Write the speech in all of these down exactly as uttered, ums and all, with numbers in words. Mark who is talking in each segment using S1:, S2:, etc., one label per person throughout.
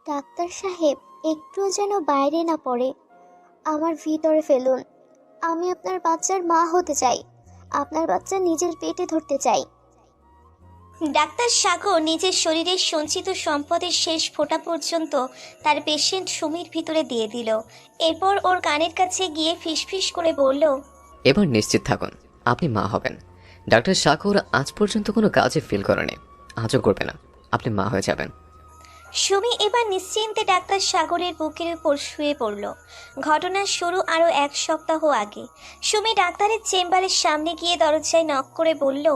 S1: Doctor সাহেব, একটুও যেন বাইরে না পড়ে। আমার ভিতরে ফেলুন। আমি আপনার বাচ্চার মা হতে চাই। আপনার বাচ্চা নিজের পেটে ধরতে চাই।
S2: ডাক্তার সাগর নিজের শরীরের সঞ্চিত সম্পদের শেষ ফোঁটা পর্যন্ত তার পেশেন্ট সুমির ভিতরে দিয়ে দিল। এরপর ওর কানের কাছে গিয়ে ফিসফিস করে বলল,
S3: এবার নিশ্চিত থাকুন আপনি মা হবেন। ডাক্তার সাগর আজ পর্যন্ত কোনো কাজে ফিল করেনি, আজও করবে না। আপনি মা হয়ে যাবেন।
S2: সুমি এবার নিশ্চিন্তে ডাক্তার সাগরের বুকের উপর শুয়ে পড়ল। ঘটনার শুরু আরও এক সপ্তাহ আগে। সুমি ডাক্তারের চেম্বারের সামনে গিয়ে দরজায় নক করে বলল,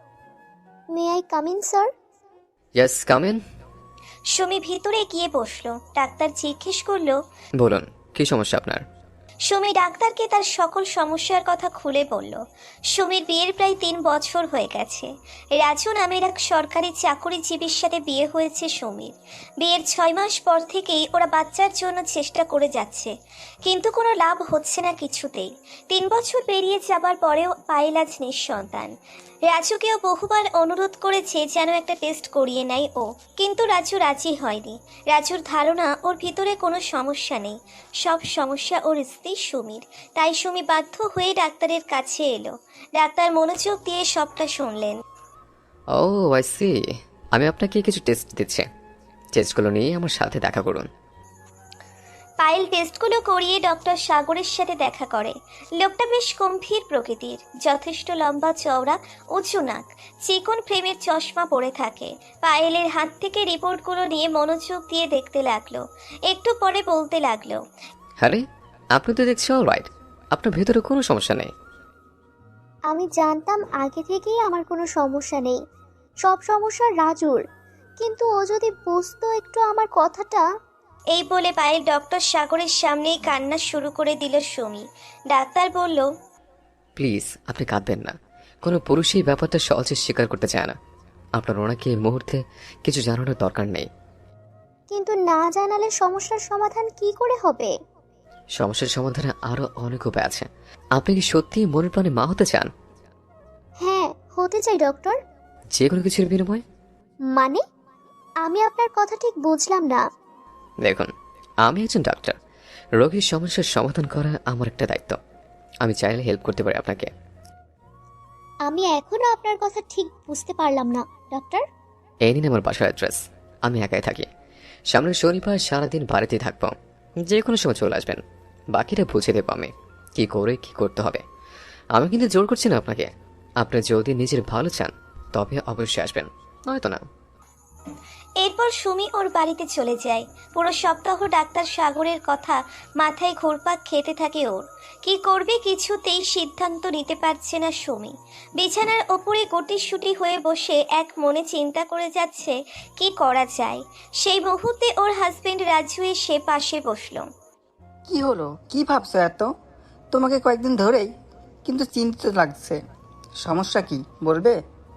S1: may I come in sir?
S3: Yes, come in.
S2: Sumi ভিতরে গিয়ে বসলো। ডাক্তার জিজ্ঞেস করলো,
S3: বলুন কি সমস্যা আপনার?
S2: সুমি ডাক্তারকে তার সকল সমস্যার কথা খুলে বলল। সুমির বিয়ের প্রায় তিন বছর হয়ে গেছে। রাজু নামের এক সরকারি চাকুরিজীবীর সাথে বিয়ে হয়েছে সুমির। বিয়ের ছয় মাস পর থেকেই ওরা বাচ্চার জন্য চেষ্টা করে যাচ্ছে, কিন্তু কোনো লাভ হচ্ছে না কিছুতেই। তিন বছর পেরিয়ে যাবার পরেও পায়েল আজ নিঃসন্তান। রাজুকেও বহুবার অনুরোধ করেছে যেন একটা টেস্ট করিয়ে নেয় ও, কিন্তু রাজু রাজি হয়নি। রাজুর ধারণা ওর ভিতরে কোনো সমস্যা নেই, সব সমস্যা ওর স্ত্রী সুমির। তাই সুমি বাধ্য হয়ে ডাক্তারের কাছে এলো। ডাক্তার মনোযোগ দিয়ে সবটা শুনলেন।
S3: Oh I see. আমি আপনাকে কিছু টেস্ট দিচ্ছি, টেস্টগুলো নিয়ে আমার সাথে দেখা করুন।
S2: পায়েল টেস্টগুলো করিয়ে ডক্টর সাগরের সাথে দেখা করে। লোকটা বেশ গম্ভীর প্রকৃতির, যথেষ্ট লম্বা চওড়া, উঁচু নাক, চিকন ফ্রেমের চশমা পরে থাকে। পায়েলের হাত থেকে রিপোর্টগুলো নিয়ে মনোযোগ দিয়ে দেখতে লাগলো। একটু পরে বলতে লাগলো,
S3: আরে আপনি তো দেখছি অল রাইট, আপনার ভেতরে কোনো সমস্যা নেই।
S1: আমি জানতাম আগে থেকেই আমার কোনো সমস্যা নেই, সব সমস্যা রাজুর। কিন্তু ও যদি বুঝতো একটু আমার কথাটা।
S2: এই বলে পায়েল ডক্টর সাগরের সামনেই কান্না শুরু করে দিল সুমি। ডাক্তার বলল,
S3: প্লিজ আপনি কাঁদবেন না। কোনো পুরুষই এই ব্যাপারটা সহজে স্বীকার করতে চায় না। আপনার ওনাকে এই মুহূর্তে কিছু জানানোর দরকার নেই।
S1: কিন্তু না জানালে সমস্যার সমাধান কি করে হবে?
S3: সমস্যার সমাধানে আরো অনেক উপায় আছে। আপনি কি সত্যি মনের প্রাণে মা হতে চান?
S1: হ্যাঁ, হতে চাই ডক্টর।
S3: যে কোনো কিছুর বিনিময়ে?
S1: মানে, আমি আপনার কথা ঠিক বুঝলাম না।
S3: দেখুন, আমি একজন ডাক্তার। রোগীর সমস্যার সমাধান করা আমার একটা দায়িত্ব। আমি চাইলে হেল্প করতে পারি আপনাকে।
S1: আমি এখনো আপনার কথা ঠিক বুঝতে পারলাম না ডক্টর।
S3: এই নিন আমার বাসার অ্যাড্রেস। আমি একাই থাকি। সামনের শনিবার সারাদিন বাড়িতেই থাকবো, যে কোনো সময় চলে আসবেন। বাকিটা বুঝে দেবো আমি কি করে কি করতে হবে। আমি কিন্তু জোর করছি না আপনাকে। আপনি যদি নিজের ভালো চান তবে অবশ্যই আসবেন, নয়তো না।
S2: এরপর সুমি ওর বাড়িতে চলে যায়। পুরো সপ্তাহ ডাক্তার সাগরের কথা মাথায় ঘুরপাক খেতে থাকে ওর। কি করবে কিছুতেই সিদ্ধান্ত নিতে পারছে না সুমি। বিছানার ওপরে গুটিসুটি হয়ে বসে এক মনে চিন্তা করে যাচ্ছে কি করা যায়। সেই মুহূর্তে ওর হাজবেন্ড রাজু এসে পাশে বসলো।
S4: কি হলো, কি ভাবছো এত? তোমাকে কয়েকদিন ধরেই কিন্তু চিন্তিত লাগছে। সমস্যা কি বলবে?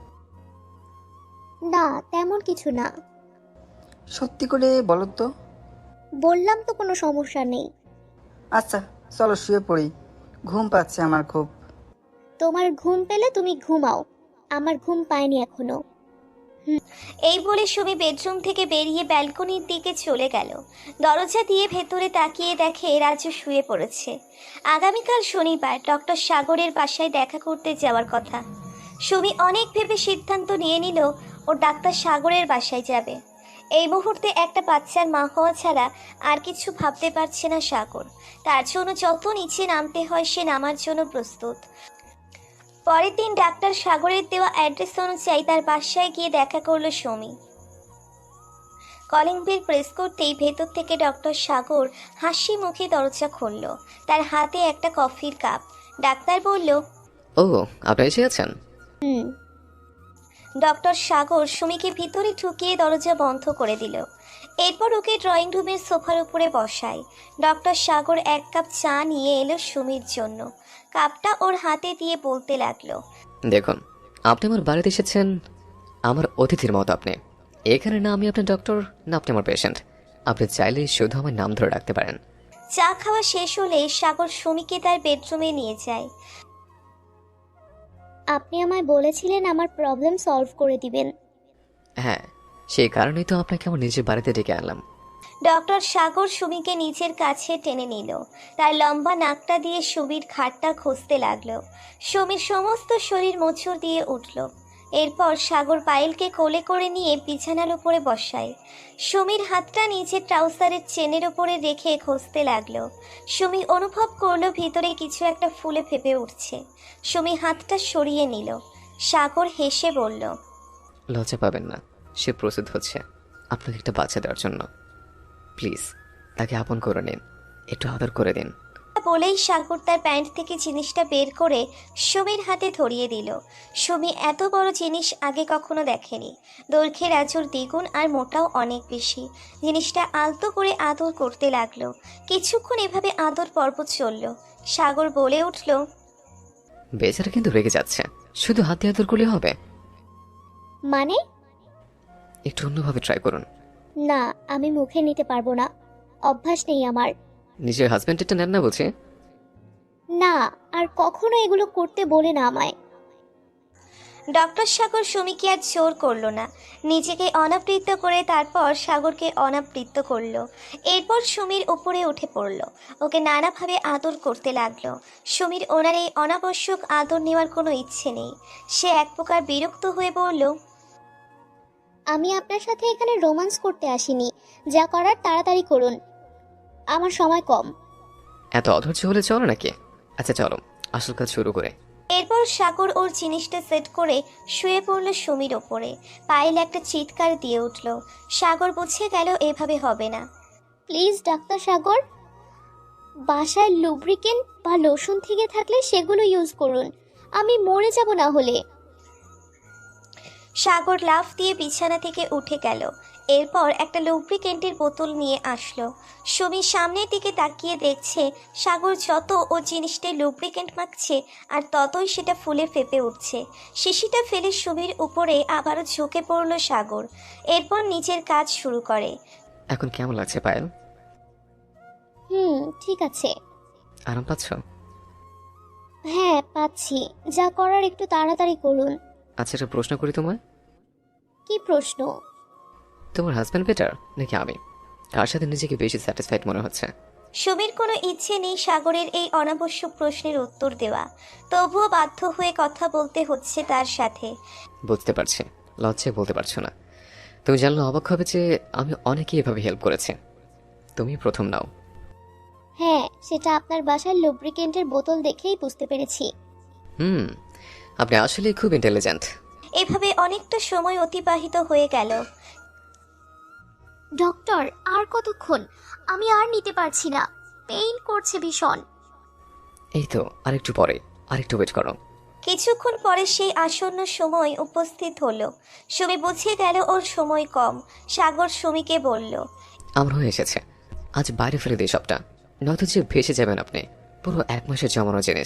S1: না, তেমন কিছু না।
S4: সত্যি করে বলো তো।
S1: বললাম তো কোনো সমস্যা নেই।
S4: আচ্ছা চলো শুয়ে পড়ি, ঘুম পাচ্ছে আমার খুব।
S1: তোমার ঘুম পেলে তুমি ঘুমাও, আমার ঘুম পায়নি এখনো।
S2: এই বলে সুমি বেডরুম থেকে বেরিয়ে ব্যালকনির দিকে চলে গেল। দরজা দিয়ে ভেতরে তাকিয়ে দেখে রাজু শুয়ে পড়েছে। আগামীকাল শনিবার ডক্টর সাগরের বাসায় দেখা করতে যাওয়ার কথা। সুমি অনেক ভেবে সিদ্ধান্ত নিয়ে নিল ও ডাক্তার সাগরের বাসায় যাবে। এই মুহূর্তে একটা বাচ্চার মা হওয়া ছাড়া আর কিছু ভাবতে পারছে না সাগর। তার জন্য যত নিচে নামতে হয় সে নামার জন্য প্রস্তুত। পরের দিন ডাক্তার সাগরের দেওয়া অ্যাড্রেস অনুযায়ী তার বাসায় গিয়ে দেখা করলো সুমি। কলিং বেল প্রেস করতেই ভেতর থেকে ডক্টর সাগর হাসি মুখে দরজা খুলল। তার হাতে একটা কফির কাপ। ডাক্তার বলল,
S3: ও আপনি এসে আছেন?
S1: হুম।
S2: ডক্টর সাগর সুমিকে ভিতরে ঢুকিয়ে দরজা বন্ধ করে দিল। এরপর ওকে ড্রয়িং রুমের সোফার উপরে বসায়। ডক্টর সাগর এক কাপ চা নিয়ে এলো সুমির জন্য। কাপটা ওর হাতে দিয়ে বলতে লাগলো,
S3: দেখুন, আপনি আমার বাড়িতে এসেছেন আমার অতিথির মতো। আপনি এখানে না আমি আপনার ডক্টর, না আপনি আমার পেশেন্ট। আপনি চাইলে শুধু আমার নাম ধরে রাখতে পারেন।
S2: চা খাওয়া শেষ হলে সাগর সুমিকে তার বেডরুমে নিয়ে যায়।
S1: আপনি আমায় বলেছিলেন আমার প্রবলেম সলভ করে দিবেন।
S3: হ্যাঁ, সেই কারণেই তো আপনাকে আমার নিজের বাড়িতে ডেকে আনলাম।
S2: ডক্টর সাগর সুমিকে নিজের কাছে টেনে নিল। তার লম্বা নাকটা দিয়ে সুমির ঘাটটা খুঁজতে লাগলো। সুমির সমস্ত শরীর মোচড় দিয়ে উঠল। এরপর সাগর পায়েলকে কোলে করে নিয়ে বিছানার উপরে বসায়। সুমির হাতটা নিচের ট্রাউজারের চেনের ওপরে রেখে খুঁজতে লাগলো। সুমি অনুভব করলো ভিতরে কিছু একটা ফুলে ফেপে উঠছে। সুমি হাতটা সরিয়ে নিল। সাগর হেসে বলল,
S3: লজ্জা পাবেন না, সে প্রস্তুত হচ্ছে আপনাকে একটা বাচ্চা দেওয়ার জন্য। প্লিজ তাকে আপন করে নিন, একটু আদর করে দিন।
S2: বলেই সাগর তার প্যান্ট থেকে জিনিসটা বের করে সুমির হাতে ধরিয়ে দিল। সুমি এত বড় জিনিস আগে কখনো দেখেনি। দৈর্ঘ্যে রাজুর দ্বিগুণ আর মোটাও অনেক বেশি। জিনিসটা আলতো করে আদর করতে লাগলো। কিছুক্ষণ এভাবে আদর পর্ব চলল। সাগর বলে উঠল,
S3: বেচারা কিন্তু রেগে যাচ্ছে, শুধু হাতে আদর করলে হবে?
S1: মানে?
S3: একটু অন্যভাবে ট্রাই করুন।
S1: না, আমি মুখে নিতে পারবো না, অভ্যাস নেই আমার।
S3: নিজের হাজব্যান্ডেরটা নেন না বলছে।
S1: না, আর কখনো এগুলো করতে বলে না আমায়।
S2: ডক্টর সাগর সুমিকে আর জোর করলো না। নিজেকে অনাবৃত্ত করে তারপর সাগরকে অনাবৃত্ত করলো। এরপর সুমির উপরে উঠে পড়লো। ওকে নানাভাবে আদর করতে লাগলো। সুমির ওনার এই অনাবশ্যক আদর নেওয়ার কোনো ইচ্ছে নেই। সে এক প্রকার বিরক্ত হয়ে বলল,
S1: আমি আপনার সাথে এখানে রোমান্স করতে আসিনি, যা করার তাড়াতাড়ি করুন, আমার সময় কম।
S3: এত অধৈর্য হলে চলো নাকি? আচ্ছা চলো, আসল কাজ শুরু করে।
S2: এরপর সাগর ওর জিনিসটা সেট করে শুয়ে পড়ল সুমির ওপরে। পায়েল একটা চিৎকার দিয়ে উঠল। সাগর বুঝে গেল এভাবে হবে না।
S1: প্লিজ ডাক্তার সাগর, বাসায় লুব্রিকেন্ট বা লোশন থেকে থাকলে সেগুলো ইউজ করুন, আমি মরে যাব না হলে।
S2: সাগর লাফ দিয়ে বিছানা থেকে উঠে গেল। এরপর একটা লুব্রিকেন্টের বোতল নিয়ে আসলো। সুমি সামনের দিকে তাকিয়ে দেখছে সাগর যত ও জিনিসটায় লুব্রিকেন্ট মাখছে আর ততই সেটা ফুলে ফেপে উঠছে। শিশিটা ফেলে সুমির উপরে আবারও ঝুঁকে পড়ল সাগর। এরপর নিজের কাজ শুরু করে।
S3: এখন কেমন লাগছে পায়েল?
S1: হুম, ঠিক আছে।
S3: আরাম পাচ্ছ?
S1: হ্যাঁ পাচ্ছি, যা করার একটু তাড়াতাড়ি করুন।
S3: আচ্ছা একটা প্রশ্ন করি তোমায়।
S1: কি প্রশ্ন?
S3: তোমার হাজব্যান্ড বেটার নাকি আমি? কার সাথে নিজেকে বেশি স্যাটিসফাইড মনে হচ্ছে?
S2: সুমির কোনো ইচ্ছে নেই সাগরের এই অনাবশ্যক প্রশ্নের উত্তর দেওয়া, তবুও বাধ্য হয়ে কথা বলতে হচ্ছে তার সাথে।
S3: বুঝতে পারছি, লজ্জায় বলতে পারছো না। তুমি জানলে অবাক হবে যে আমি অনেকেই এভাবে হেল্প করেছি, তুমি প্রথম নাও।
S1: হ্যাঁ, সেটা আপনার বাসার লুব্রিকেন্টের বোতল দেখেই বুঝতে পেরেছি।
S3: হুম, আপনি আসলে খুব ইন্টেলিজেন্ট।
S2: এভাবে অনেকটা সময় অতিবাহিত হয়ে গেল।
S1: ডক্টর, আর কতক্ষণ? আমি আর নিতে পারছি না, পেইন করছে ভীষণ।
S3: এই তো আরেকটু পরে, আরেকটু ওয়েট করো।
S2: কিছুক্ষণ পরে সেই আসন্ন সময় উপস্থিত হলো। সুমি বুঝে গেল ওর সময় কম। সাগর সুমিকে বলল,
S3: আমার হয়ে এসেছে, আজ বাইরে ফেলে দিই সবটা, নয়তো যে ভেসে যাবেন আপনি। পুরো এক মাসের জমানো জিনিস।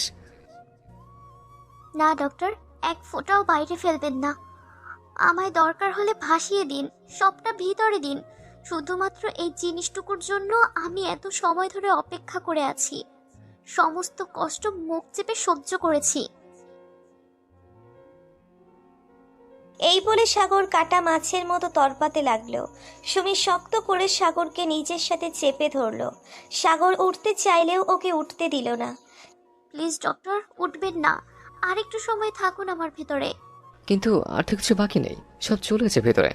S1: না ডক্টর, এক ফোঁটাও বাইরে ফেলবেন না, আমায় দরকার হলে ভাসিয়ে দিন, সবটা ভিতরে দিন। শুধুমাত্র এই জিনিসটুকুর জন্য আমি এত সময় ধরে অপেক্ষা করে আছি, সমস্ত কষ্ট মুখ চেপে সহ্য করেছি।
S2: এই বলে সাগর কাটা মাছের মতো তরপাতে লাগলো। সুমি শক্ত করে সাগরকে নিজের সাথে চেপে ধরলো। সাগর উঠতে চাইলেও ওকে উঠতে দিল না।
S1: প্লিজ ডক্টর, উঠবেন না, আর একটু সময় থাকুন আমার ভেতরে।
S3: কিন্তু আর তো কিছু বাকি নেই, সব চলে গেছে ভেতরে।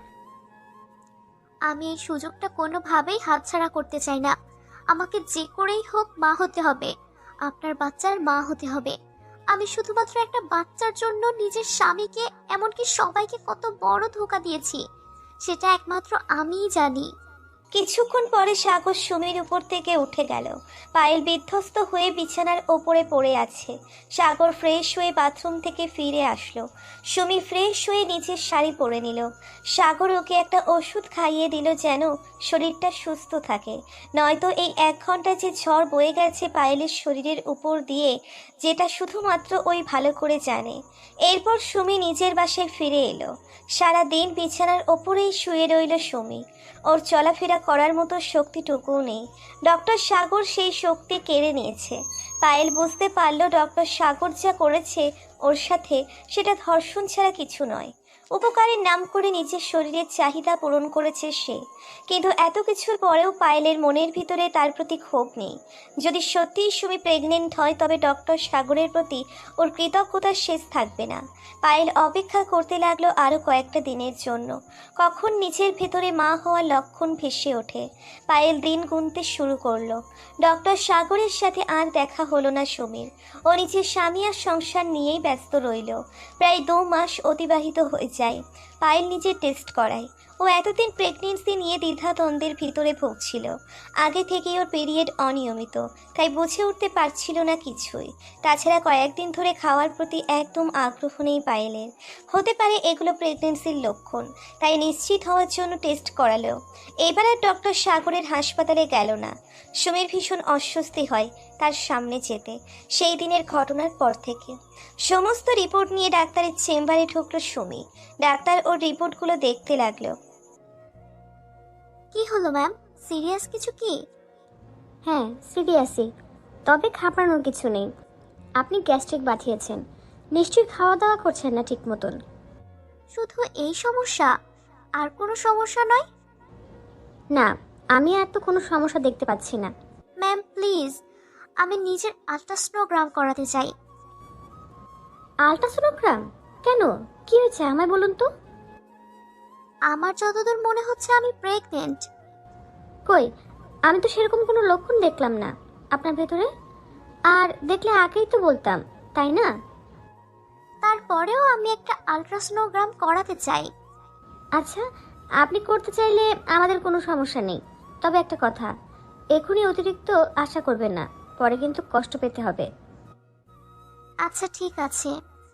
S1: আমি এই সুযোগটা কোনোভাবেই হাতছাড়া করতে চাই না। আমাকে যে করেই হোক মা হতে হবে, আপনার বাচ্চার মা হতে হবে। আমি শুধুমাত্র একটা বাচ্চার জন্য নিজের স্বামীকে, এমনকি সবাইকে কত বড় ধোঁকা দিয়েছি, সেটা একমাত্র আমিই জানি।
S2: কিছুক্ষণ পরে সাগর সুমির উপর থেকে উঠে গেল। পায়েল বিধ্বস্ত হয়ে বিছানার ওপরে পড়ে আছে। সাগর ফ্রেশ হয়ে বাথরুম থেকে ফিরে আসলো। সুমি ফ্রেশ হয়ে নিচের শাড়ি পরে নিল। সাগর ওকে একটা ওষুধ খাইয়ে দিল যেন শরীরটা সুস্থ থাকে, নয়তো এই এক ঘন্টা যে ঝড় বয়ে গেছে পায়েলের শরীরের উপর দিয়ে, যেটা শুধুমাত্র ওই ভালো করে জানে। এরপর সুমি নিজের বাসায় ফিরে এলো। সারা দিন বিছানার ওপরেই শুয়ে রইল সুমি। ওর চলাফেরা করার মতো শক্তিটুকুও নেই। ডক্টর সাগর সেই শক্তি কেড়ে নিয়েছে। পায়েল বুঝতে পারল ডক্টর সাগর যা করেছে ওর সাথে, সেটা ধর্ষণ ছাড়া কিছু নয়। উপকারের নাম করে নিজের শরীরের চাহিদা পূরণ করেছে সে, কিন্তু এত কিছুর পরেও পায়েলের মনের ভিতরে তার প্রতি ক্ষোভ নেই। যদি সত্যিই সুমি প্রেগনেন্ট হয় তবে ডক্টর সাগরের প্রতি ওর কৃতজ্ঞতার শেষ থাকবে না। পায়েল অপেক্ষা করতে লাগলো আরও কয়েকটা দিনের জন্য, কখন নিজের ভেতরে মা হওয়ার লক্ষণ ভেসে ওঠে। পায়েল দিন গুনতে শুরু করলো। ডক্টর সাগরের সাথে আর দেখা হলো না সুমির। ও নিজের স্বামী আর সংসার নিয়েই ব্যস্ত রইল। প্রায় দু মাস অতিবাহিত হয়ে যায়। পায়েল নিজে টেস্ট করায়। ও এতদিন প্রেগনেন্সি নিয়ে দ্বিধাদ্বন্দ্বের ভিতরে ভুগছিল। আগে থেকেই ওর পিরিয়ড অনিয়মিত, তাই বুঝে উঠতে পারছিল না কিছুই। তাছাড়া কয়েকদিন ধরে খাওয়ার প্রতি একদম আগ্রহ নেই পায়েলের। হতে পারে এগুলো প্রেগনেন্সির লক্ষণ, তাই নিশ্চিত হওয়ার জন্য টেস্ট করালো। এবার আর ডক্টর সাগরের হাসপাতালে গেল না। সুমির ভীষণ অস্বস্তি হয় তার সামনে যেতে, সেই দিনের ঘটনার পর থেকে। সমস্ত রিপোর্ট নিয়ে ডাক্তারের চেম্বারে ঢুকলো সুমি। ডাক্তার ওর রিপোর্টগুলো দেখতে লাগলো।
S1: কি হলো ম্যাম, সিরিয়াস কিছু কি?
S5: হ্যাঁ সিরিয়াসই, তবে ঘাবড়ানোর কিছু নেই। আপনি গ্যাস্ট্রিক বাঁধিয়েছেন, নিশ্চয়ই খাওয়া দাওয়া করছেন না ঠিক মতন।
S1: শুধু এই সমস্যা, আর কোনো সমস্যা নয়?
S5: না, আমি আর তো কোনো সমস্যা দেখতে পাচ্ছি না।
S1: ম্যাম প্লিজ, আমি নিজের আল্ট্রাসোনোগ্রাম করাতে চাই।
S5: আল্ট্রাসোনোগ্রাম? কেন, কি হয়েছে আমায় বলুন তো।
S1: আমার যতদূর মনে হচ্ছে আমি প্রেগনেন্ট।
S5: কই, আমি তো সেরকম কোনো লক্ষণ দেখলাম না আপনার ভেতরে। আর দেখলে আগেই তো বলতাম, তাই না?
S1: তারপরেও আমি একটা আল্ট্রাসোনোগ্রাম করাতে চাই।
S5: আচ্ছা, আপনি করতে চাইলে আমাদের কোনো সমস্যা নেই। তবে একটা কথা, এখনই অতিরিক্ত আশা করবেন না, পরে কিন্তু কষ্ট পেতে হবে।
S1: আচ্ছা ঠিক আছে।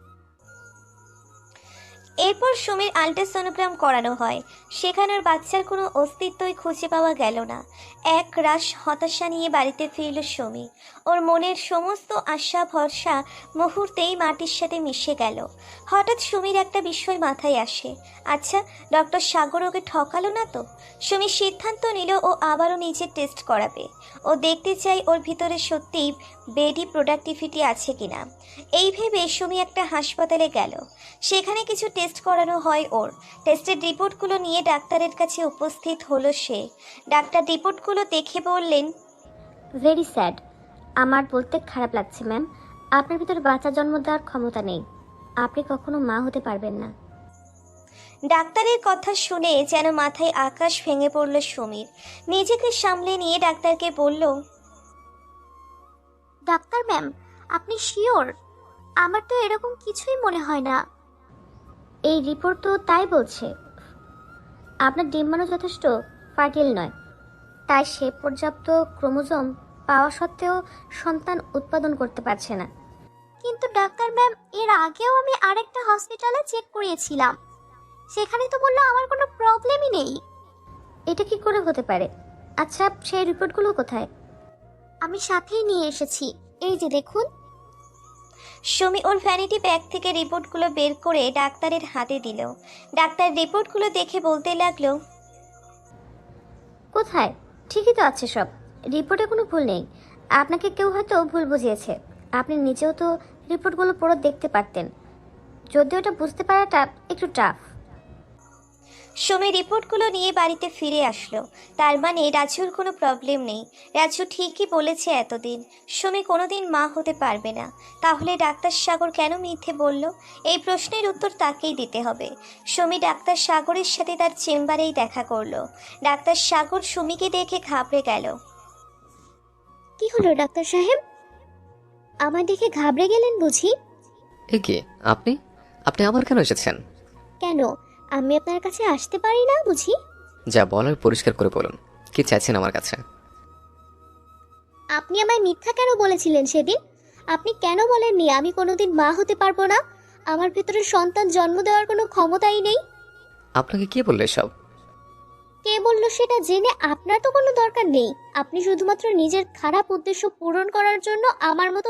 S2: এরপর সুমির আল্ট্রাসোনোগ্রাম করানো হয়। সেখানের বাচ্চার কোনো অস্তিত্বই খুঁজে পাওয়া গেল না। এক রাশ হতাশা নিয়ে বাড়িতে ফিরল সুমি। ওর মনের সমস্ত আশা ভরসা মুহূর্তেই মাটির সাথে মিশে গেল। হঠাৎ সুমির একটা বিষয় মাথায় আসে। আচ্ছা, ডক্টর সাগর ওকে ঠকালো না তো? সুমি সিদ্ধান্ত নিল ও আবারও নিজের টেস্ট করাবে। ও দেখতে চাই ওর ভিতরে সত্যিই বেডি প্রোডাক্টিভিটি আছে কিনা। এই ভেবে সুমি একটা হাসপাতালে গেল। সেখানে কিছু টেস্ট করানো হয় ওর। টেস্টের রিপোর্টগুলো নিয়ে ডাক্তারের কাছে উপস্থিত হলো সে। ডাক্তার রিপোর্টগুলো দেখে বললেন,
S5: ভেরি স্যাড। আমার বলতে খারাপ লাগছে ম্যাম, আপনার ভিতরে বাচ্চা জন্ম দেওয়ার ক্ষমতা নেই। আপনি কখনো মা হতে পারবেন না।
S2: ডাক্তারের কথা শুনে যেন মাথায় আকাশ ভেঙে পড়ল সুমির। নিজেকে সামলে নিয়ে ডাক্তারকে বলল,
S1: ডাক্তার ম্যাম, আপনি শিওর? আমার তো এরকম কিছুই মনে হয় না।
S5: এই রিপোর্ট তো তাই বলছে। আপনার ডিম্বাণু যথেষ্ট ফার্টিল নয়, তাই সে পর্যাপ্ত ক্রোমোজোম পাওয়া সত্ত্বেও সন্তান উৎপাদন করতে পারছে না।
S1: কিন্তু ডাক্তার ম্যাম, এর আগেও আমি আরেকটা হসপিটালে চেক করিয়েছিলাম, সেখানে তো বললো আমার কোনো প্রবলেমই নেই।
S5: এটা কি করে হতে পারে? আচ্ছা, সেই রিপোর্টগুলো কোথায়?
S1: আমি সাথেই নিয়ে এসেছি, এই যে দেখুন।
S2: সুমি ওর ভ্যানিটি ব্যাগ থেকে রিপোর্টগুলো বের করে ডাক্তারের হাতে দিল। ডাক্তার রিপোর্টগুলো দেখে বলতে লাগলো,
S5: কোথায়? ঠিকই তো আছে সব, রিপোর্টে কোনো ভুল নেই। আপনাকে কেউ হয়তো ভুল বুঝিয়েছে। আপনি নিজেও তো রিপোর্টগুলো পুরো দেখতে পারতেন, যদিও এটা বুঝতে পারাটা একটু টাফ।
S2: সুমি রিপোর্টগুলো নিয়ে বাড়িতে ফিরে আসলো। তার মানে রাজুর কোনো প্রবলেম নেই। রাজু ঠিকই বলেছে, এতদিন সুমি কোনোদিন মা হতে পারবে না। তাহলে ডাক্তার সাগর কেন মিথ্যে বলল? এই প্রশ্নের উত্তর তাকেই দিতে হবে। সুমি ডাক্তার সাগরের সাথে তার চেম্বারেই দেখা করলো। ডাক্তার সাগর সুমিকে দেখে ঘাবড়ে গেল।
S1: কি হলো ডাক্তার সাহেব, আমার দেখে ঘাবড়ে গেলেন বুঝি?
S3: এ কি, আপনি আপনি আমার কেন এসেছেন?
S1: কেন, আমি আপনার কাছে আসতে পারি না বুঝি?
S3: যা বলার পরিষ্কার করে বলুন, কি চাইছেন আমার কাছে?
S1: আপনি আমায় মিথ্যা কেন বলেছিলেন সেদিন? আপনি কেন বলেননি আমি কোনোদিন মা হতে পারবো না? আমার ভেতরে সন্তান জন্ম দেওয়ার কোনো ক্ষমতাই নেই।
S3: আপনাকে কে বললে সব?
S1: কে বললো সেটা জেনে আপনার তো কোনো দরকার নেই। আপনি শুধুমাত্র নিজের খারাপ উদ্দেশ্য পূরণ করার জন্য আমার মতো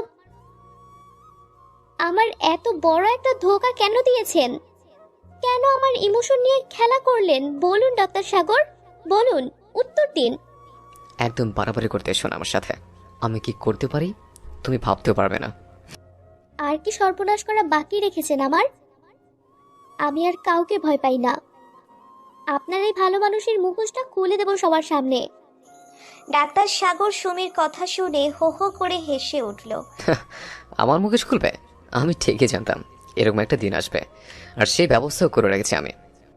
S1: আমার এত বড় একটা ধোঁকা কেন দিয়েছেন? কেন আমার ইমোশন নিয়ে খেলা করলেন? বলুন ডাক্তার সাগর, বলুন, উত্তর দিন।
S3: একদম বাড়াবাড়ি করতে এসো না আমার সাথে। আমি কি করতে পারি তুমি ভাবতেও পারবে না।
S1: আর কি সর্বনাশ করা বাকি রেখেছেন আমার? আমি আর কাউকে ভয় পাই না। আপনার এই ভালো মানুষের মুখোশটা খুলে দেব সবার সামনে।
S2: ডাক্তার সাগর সুমির কথা শুনে হো হো করে হেসে উঠল।
S3: আমার মুখোশ খুলবে? আমি ঠিকই জানতাম এরকম একটা দিন আসবে, আর সেই ব্যবস্থাও করে রেখেছি আমি।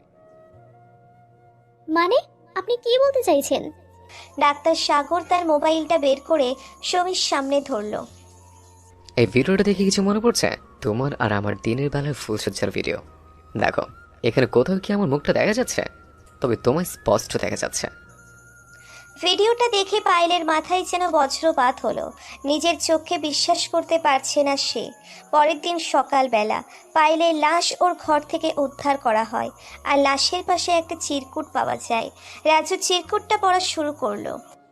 S1: মানে আপনি কি বলতে চাইছেন?
S2: ডাক্তার সাগর তার মোবাইলটা বের করে সুমির সামনে ধরলো।
S3: এই ভিডিওটা দেখে কিছু মনে পড়ছে? তোমার আর আমার দিনের বেলায় ফুলসজ্জার ভিডিও। দেখো, এখানে কোথাও কি আমার মুখটা দেখা যাচ্ছে? তবে তোমায় স্পষ্ট দেখা যাচ্ছে।
S2: ভিডিওটা দেখে পায়েলের মাথায় যেন বজ্রপাত হলো। নিজের চোখে বিশ্বাস করতে পারছে না সে। পরের দিন সকালবেলা পায়েলের লাশ ওর ঘর থেকে উদ্ধার করা হয়, আর লাশের পাশে একটা চিরকুট পাওয়া যায়। রাজু চিরকুটটা পড়া শুরু করলো।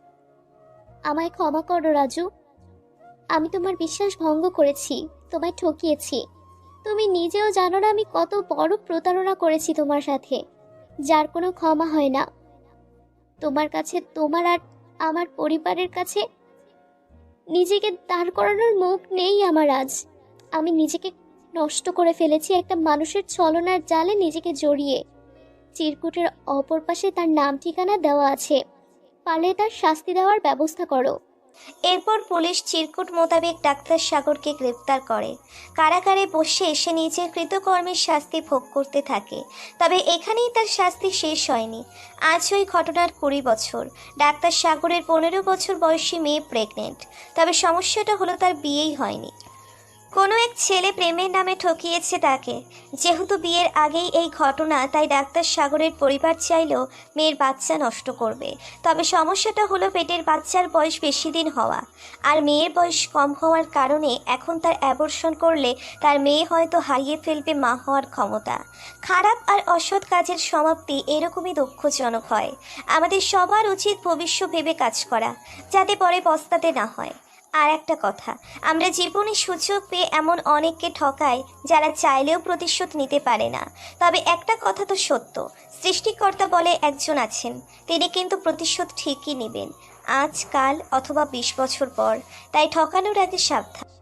S1: আমায় ক্ষমা করো রাজু, আমি তোমার বিশ্বাস ভঙ্গ করেছি, তোমায় ঠকিয়েছি। তুমি নিজেও জানো না আমি কত বড় প্রতারণা করেছি তোমার সাথে, যার কোনো ক্ষমা হয় না। তোমার কাছে, তোমার আর আমার পরিবারের কাছে নিজেকে দাঁড় করানোর মুখ নেই আমার আজ। আমি নিজেকে নষ্ট করে ফেলেছি একটা মানুষের ছলনার জালে নিজেকে জড়িয়ে। চিরকুটের অপর পাশে তার নাম ঠিকানা দেওয়া আছে, পারলে তার শাস্তি দেওয়ার ব্যবস্থা করো।
S2: এরপর পুলিশ চিরকুট মোতাবেক ডাক্তার সাগরকে গ্রেপ্তার করে। কারাগারে বসে সে নিজের কৃতকর্মের শাস্তি ভোগ করতে থাকে। তবে এখানেই তার শাস্তি শেষ হয়নি। আজ ওই ঘটনার কুড়ি বছর। ডাক্তার সাগরের পনেরো বছর বয়সী মেয়ে প্রেগনেন্ট। তবে সমস্যাটা হলো তার বিয়েই হয়নি। কোনো এক ছেলে প্রেমের নামে ঠকিয়েছে তাকে। যেহেতু বিয়ের আগেই এই ঘটনা, তাই ডাক্তার সাগরের পরিবার চাইলেও মেয়ের বাচ্চা নষ্ট করবে। তবে সমস্যাটা হলো পেটের বাচ্চার বয়স বেশি দিন হওয়া, আর মেয়ের বয়স কম হওয়ার কারণে এখন তার অ্যাবর্শন করলে তার মেয়ে হয়তো হারিয়ে ফেলবে মা হওয়ার ক্ষমতা। খারাপ আর অসৎ কাজের সমাপ্তি এরকমই দুঃখজনক হয়। আমাদের সবার উচিত ভবিষ্যৎ ভেবে কাজ করা, যাতে পরে পস্তাতে না হয়। আর একটা কথা, আমরা জীবনে সুযোগ পেয়ে এমন অনেককে ঠকাই যারা চাইলেও প্রতিশোধ নিতে পারে না। তবে একটা কথা তো সত্য, সৃষ্টিকর্তা বলে একজন আছেন, তিনি কিন্তু প্রতিশোধ ঠিকই নেবেন, আজ কাল অথবা বিশ বছর পর। তাই ঠকানোর আগে সাবধান।